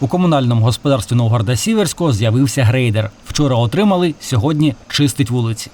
У комунальному господарстві Новгорода-Сіверського з'явився грейдер. Вчора отримали, сьогодні чистить вулиці.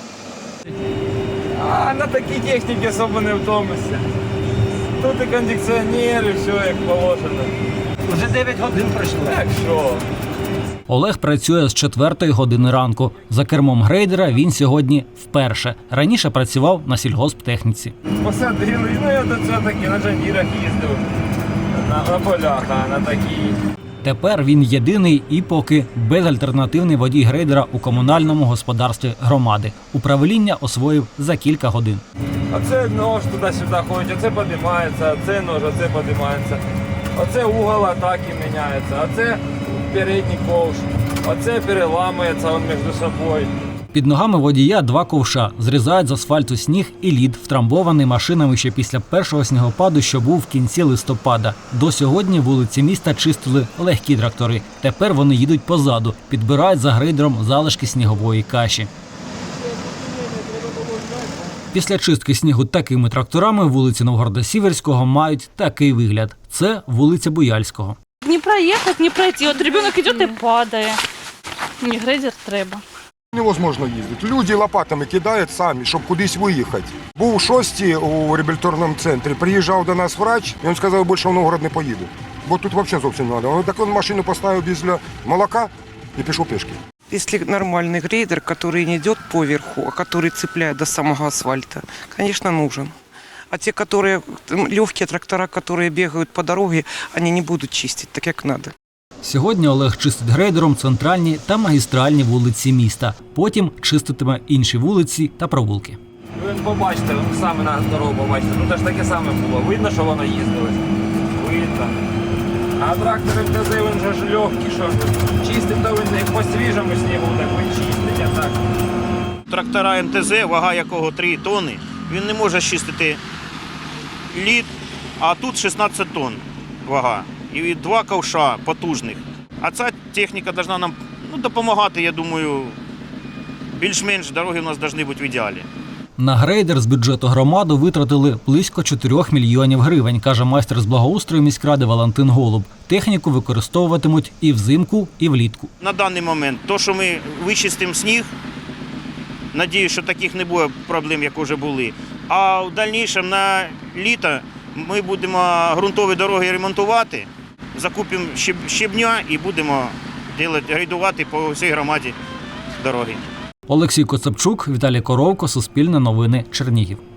А на такій техніці особо не втомишся. Тут і кондиціонер, і все як положено. Вже 9 годин пройшло. Так що? Олег працює з 4 години ранку. За кермом грейдера він сьогодні вперше. Раніше працював на сільгосптехніці. Посадили, ну я до цього таки на джандірах їздив. На полях, а на такій. Тепер він єдиний і поки безальтернативний водій грейдера у комунальному господарстві громади. Управління освоїв за кілька годин. Оце нож туди-сюди ходить, оце піднімається, оце нож, оце піднімається. Оце угол атаки міняється, оце передній ковш, оце переламується він між собою. Під ногами водія 2 ковша. Зрізають з асфальту сніг і лід, втрамбований машинами ще після першого снігопаду, що був в кінці листопада. До сьогодні вулиці міста чистили легкі трактори. Тепер вони їдуть позаду, підбирають за грейдером залишки снігової каші. Після чистки снігу такими тракторами вулиці Новгорода-Сіверського мають такий вигляд. Це вулиця Буяльського. Не проехать, не пройти. От ребенок идет и падає. Мені грейдер треба. Невозможно їздити. Люди лопатами кидають самі, щоб кудись виїхати. Був у 6 у реабілітаційному центрі, приїжджав до нас врач, і він сказав, більше в Новгород не поїду. Бо тут взагалі зовсім не треба. Так він машину поставив біля молока і пішов пішки. Если нормальный грейдер, который не идет по верху, а который цепляет до самого асфальта, конечно, нужен. А те, которые легкие трактора, которые бегают по дороге, они не будут чистить так, как надо. Сьогодні Олег чистить грейдером центральні та магістральні вулиці міста. Потім чиститиме інші вулиці та провулки. Ви побачите, ви саме на дорогу побачите. Ну, теж таке саме було. Видно, що воно їздило. Видно. А трактори МТЗ, він же ж легкий, що чистить, то він як по свіжому снігу, так він чистить, а так. Трактора МТЗ, вага якого 3 тонни, він не може чистити лід, а тут 16 тонн вага. І 2 ковша потужних. А ця техніка повинна нам допомагати, я думаю, більш-менш дороги у нас повинні бути в ідеалі. На грейдер з бюджету громади витратили близько 4 мільйонів гривень, каже майстер з благоустрою міськради Валентин Голуб. Техніку використовуватимуть і взимку, і влітку. На даний момент, то, що ми вичистимо сніг, надіюсь, що таких не буде проблем, як вже були. А в дальнішому на літо ми будемо ґрунтові дороги ремонтувати, закупимо щебня і будемо грейдувати по всій громаді дороги. Олексій Коцепчук, Віталій Коровко, Суспільне новини, Чернігів.